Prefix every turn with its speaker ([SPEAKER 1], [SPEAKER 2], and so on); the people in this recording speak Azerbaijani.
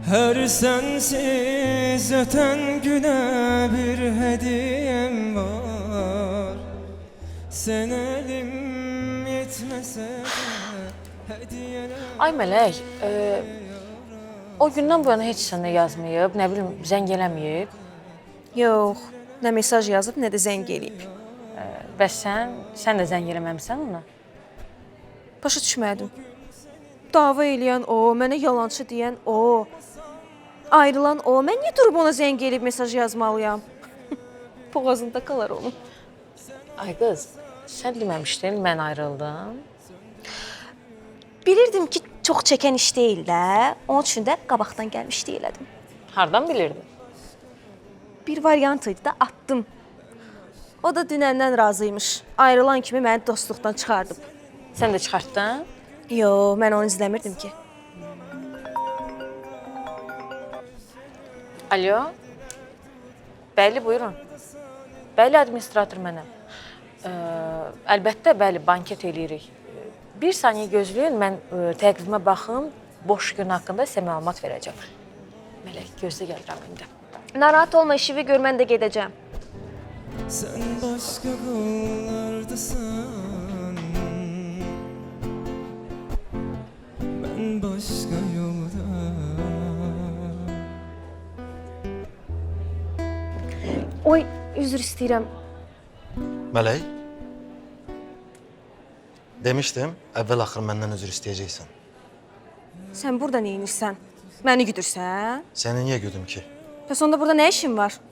[SPEAKER 1] Her sensiz öten güne bir hediyem var. Sen elim yetmese de hediyeler...
[SPEAKER 2] Ay Mələk, o gündən bu yana heç sənə yazmayıb, nə bilim, zəng eləməyib.
[SPEAKER 3] Yox, nə mesaj yazıb, nə də zəng eləyib.
[SPEAKER 2] Bəs sən də zəng eləməmisən ona?
[SPEAKER 3] Başa düşmədim. Dava eləyən o, mənə yalancı deyən o, ayrılan o. Mən niyə durub ona zəng eləyib mesaj yazmalıyam? Boğazında qalar onun.
[SPEAKER 2] Ay qız, sən deməmişdin, mən ayrıldım.
[SPEAKER 3] Bilirdim ki, çox çəkən iş deyil də. Onun üçün də qabaqdan gəlmişdi elədim.
[SPEAKER 2] Hardan bilirdin?
[SPEAKER 3] Bir variant idi də atdım. O da dünəndən razıymış. Ayrılan kimi məni dostluqdan çıxardıb.
[SPEAKER 2] Sən də çıxartdın?
[SPEAKER 3] Yox, mən onu izləmirdim ki.
[SPEAKER 2] Alo? Bəli, buyurun. Bəli, administrator mənəm. Əlbəttə, bəli, banket eləyirik. Bir saniyə gözləyin, mən təqvimə baxım, boş gün haqqında sizə məlumat verəcəm. Mələk, gözlə gəlirəm indi.
[SPEAKER 3] Narahat olma, işivi gör, mən də gedəcəm.
[SPEAKER 1] Sen başka kollardasan, ben başka yolda.
[SPEAKER 3] Oy, üzr istəyirəm.
[SPEAKER 4] Mələk, demişdim, əvvəl-axır məndən üzr istəyəcəksən.
[SPEAKER 3] Sən burada nə edirsən? Məni güdürsən?
[SPEAKER 4] Səni niyə güdüm ki?
[SPEAKER 3] Bəs onda burada nə işin var?